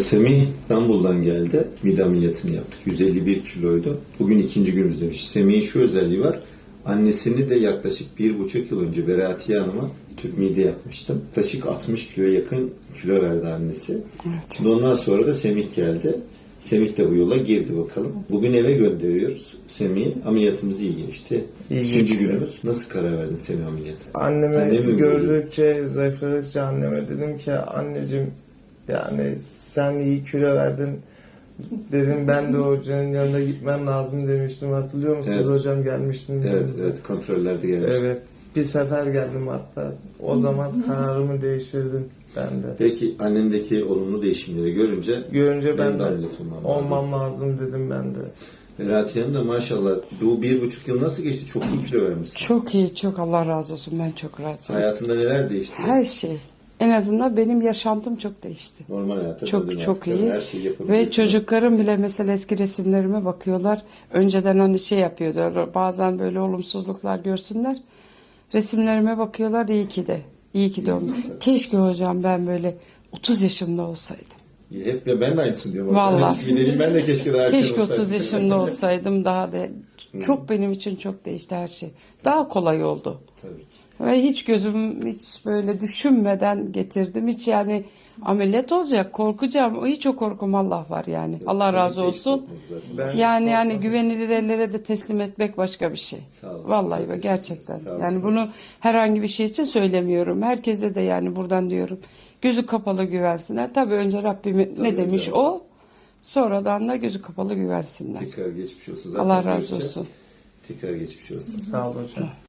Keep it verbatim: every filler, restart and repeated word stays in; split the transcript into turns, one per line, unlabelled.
Semih İstanbul'dan geldi. Mide ameliyatını yaptık. yüz elli bir kiloydu. Bugün ikinci günümüzdemiş. Semih'in şu özelliği var. Annesini de yaklaşık bir buçuk yıl önce Beratiye Hanım'a tüp mide yapmıştım. Yaklaşık altmış kiloya yakın kilo verdi annesi.
Evet.
Şimdi ondan sonra da Semih geldi. Semih de bu yola girdi bakalım. Bugün eve gönderiyoruz Semih'i. Ameliyatımız iyi geçti.
İyi
İkinci
geçti.
günümüz. Nasıl karar verdin Semih ameliyatı?
Anneme
Annem mi
gördükçe, zayıfladıkça anneme dedim ki anneciğim yani sen iyi kilo verdin. Dedim ben de hocanın yanına gitmem lazım demiştim. Hatırlıyor musunuz
Evet.
hocam gelmiştim.
Evet,
yanınıza.
evet kontrollerde gelmiş.
Evet. Bir sefer geldim hatta. O zaman kararımı değiştirdim ben de.
Peki annendeki olumlu değişimleri görünce
Görünce ben
benim de
de
ameliyat olmam lazım.
olmam lazım dedim ben de.
Beratiye Hanım da maşallah bu bir buçuk yıl nasıl geçti? Çok iyi kilo vermişsin.
Çok iyi, çok Allah razı olsun. Ben çok razıyım.
Hayatında neler değişti?
Her şey. En azından benim yaşantım çok değişti.
Normal hayata
Çok
döndün
çok
artık.
iyi.
Her şeyi yapabiliyorsun.
Ve çocuklarım bile mesela eski resimlerime bakıyorlar. Önceden hani şey yapıyordu. Bazen böyle olumsuzluklar görsünler. Resimlerime bakıyorlar. İyi ki de. İyi ki de oldu. Keşke hocam ben böyle otuz yaşımda olsaydım.
Hep ya ben de aynısını diyorum.
Vallahi.
Gidelim ben de keşke daha erken
Keşke
olsaydım.
otuz yaşımda olsaydım daha da çok benim için çok değişti her şey. Daha kolay oldu.
Tabii ki.
Ve hiç gözüm hiç böyle düşünmeden getirdim. Hiç yani ameliyat olacak korkacağım. Hiç o korkum Allah var yani. Allah razı
Tabii ki hiç
olsun.
korkmadı zaten.
Ben
Yani yani
korkmadım.
güvenilir ellere de teslim etmek başka bir şey.
Sağ olasın.
Vallahi ve
Çok
gerçekten.
teşekkür ederim. Sağ
Yani
olasın.
bunu herhangi bir şey için söylemiyorum. Herkese de yani buradan diyorum. Gözü kapalı güvensinler. Tabii önce Rabbim ne
Tabii
demiş
hocam.
o. Sonradan da gözü kapalı güvensinler.
Tekrar geçmiş olsun. Zaten
Allah razı
göreceğiz.
olsun.
Tekrar geçmiş olsun.
Sağ ol hocam.